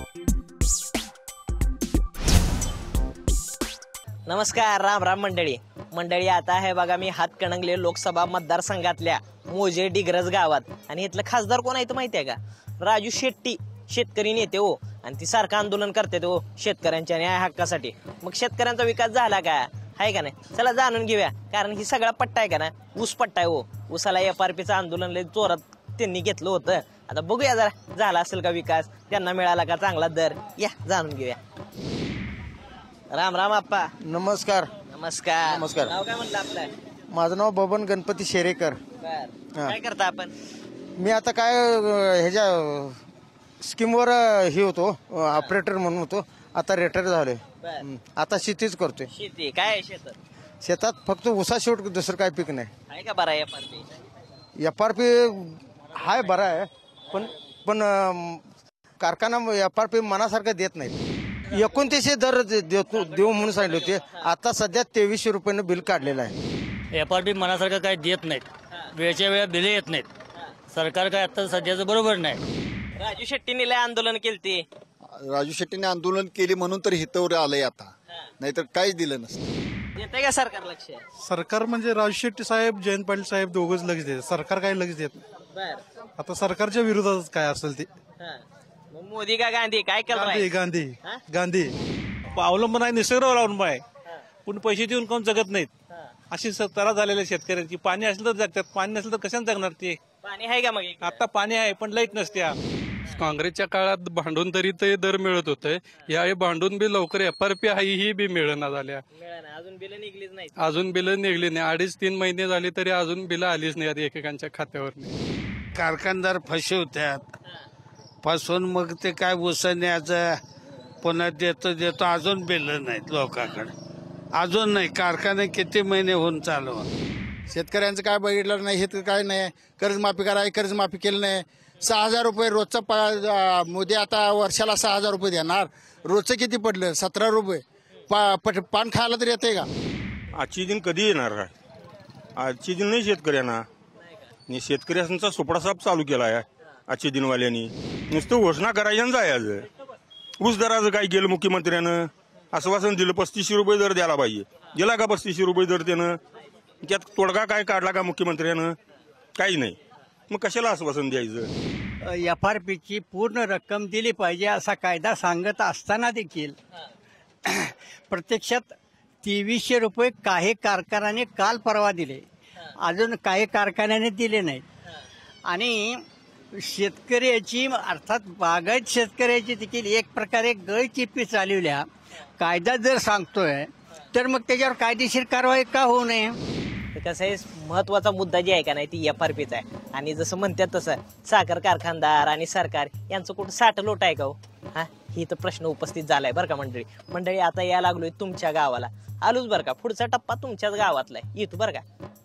नमस्कार, राम राम मंडळी आता आहे बघा मी हातकणंगले लोकसभा मतदारसंघातल्या मोजे डिग्रज गावात आणि इथलं खासदार कोण आहे तर माहिती आहे का? राजू शेट्टी, शेतकरी नेते हो. आणि ती सारखं आंदोलन करते हो शेतकऱ्यांच्या न्याय हक्कासाठी. मग शेतकऱ्यांचा विकास झाला का? आहे का नाही? चला जाणून घेऊया. कारण ही सगळा पट्टा आहे का ना, ऊस पट्टा आहे हो. ऊसाला FRPचं आंदोलन लय जोरात त्यांनी घेतलं होतं. आता बघूया जरा झाला असेल का विकास, त्यांना मिळाला का चांगला दर. या जाणून घेऊया. राम राम आप्पा. नमस्कार. नमस्कार. नमस्कार. नाव काय म्हणलं आपलं? माझं नाव बबन गणपती शेरेकर. काय करता आपण? मी आता काय ह्याच्या स्कीमवर हे होतो, ऑपरेटर म्हणून होतो. आता रिटायर झालोय. आता शेतीच करतोय. शेती काय आहे शेतात? शेतात फक्त ऊसा शेवट, दुसरं काय पीक नाही. आहे का बरा FRP? FRP हाय बरा आहे, पण कारखाना FRP मनासारखं देत नाही. 2900 दर देऊ म्हणून सांगितले होते. आता सध्या 2300 रुपयानं बिल काढलेलं आहे. FRP मनासारखं काय देत नाहीत, वेळच्या वेळा बिले येत नाहीत. सरकार काय आता सध्याचं बरोबर नाही. राजू शेट्टीने लय आंदोलन केलते. राजू शेट्टीने आंदोलन केले म्हणून तर हितवर आलंय आता, नाहीतर काहीच दिलं नसतं. देते का सरकार लक्ष? सरकार म्हणजे राजू शेट्टी साहेब, जयंत पाटील साहेब दोघंच लक्ष देतात. सरकार काही लक्ष देत नाही. आता सरकारच्या विरोधात काय असेल ते. मग मोदी का गांधी काय केलं? गांधी अवलंबन आहे, निसर्गावर अवलंबन आहे. पण पैसे देऊन कोण जगत नाहीत. अशी तरा झालेल्या शेतकऱ्यांची. पाणी असलं तर जगतात, पाणी नसलं तर कशाने जगणार ते? पाणी आहे का? मग आता पाणी आहे पण लाईट नसते. काँग्रेसच्या काळात भांडून तरी ते दर मिळत होते. यावेळी भांडून बी लवकर FRP आहे ही बी मिळना झाल्या. अजून बिल निघलीच नाही. अजून बिलं निघली नाही. 2.5-3 महिने झाले तरी अजून बिलं आलीच नाही एकेकांच्या खात्यावर. कारखानदार फसवतात, फसवून मग ते काय न्यायचं, पुन्हा देतो अजून बिलं नाहीत लोकांकडे. अजून नाही. कारखाने किती महिने होऊन चालू. शेतकऱ्यांचं काय बघितलं नाही, हे तर काय नाही. कर्जमाफी करायची, कर्जमाफी केली नाही. 6,000 रुपये रोजचा मोदी आता वर्षाला 6,000 रुपये देणार. रोजचं किती पडलं? 17 रुपये. पान खायला तरी येते का? आजची दिन कधी येणार आहे? आजची दिन नाही शेतकऱ्यांना. शेतकऱ्यांचा सुपडासाप चालू केला आहे आजच्या दिनवाल्यांनी. नुसतं घोषणा करायच्या आणि जायचं. ऊस दराचं काय केलं मुख्यमंत्र्यानं? आश्वासन दिलं 3500 रुपये दर द्यायला पाहिजे. दिला का 3500 रुपये दर त्यानं? त्यात तोडगा काय काढला का मुख्यमंत्र्यानं? काही नाही. मग कशाला आश्वासन द्यायचं? FRPची पूर्ण रक्कम दिली पाहिजे असा कायदा सांगत असताना देखील प्रत्यक्षात 2300 रुपये काही कारखान्याने काल परवा दिले, अजून काही कारखान्याने दिले नाहीत. आणि शेतकऱ्याची अर्थात बागायत शेतकऱ्याची देखील एक प्रकारे गळचिप्पी चालवल्या. कायदा जर सांगतोय तर मग त्याच्यावर कायदेशीर कारवाई का होऊ नये? कसं आहे, महत्वाचा मुद्दा जे आहे का नाही ती FRPचा आहे. आणि जसं म्हणतात तसं साखर कारखानदार आणि सरकार यांचं कुठं साठलोट आहे का हो? ही तर प्रश्न उपस्थित झालाय बरं का मंडळी. आता या लागलोय तुमच्या गावाला. आलोच बरं का. पुढचा टप्पा तुमच्याच गावातला आहे. येतो बरं का.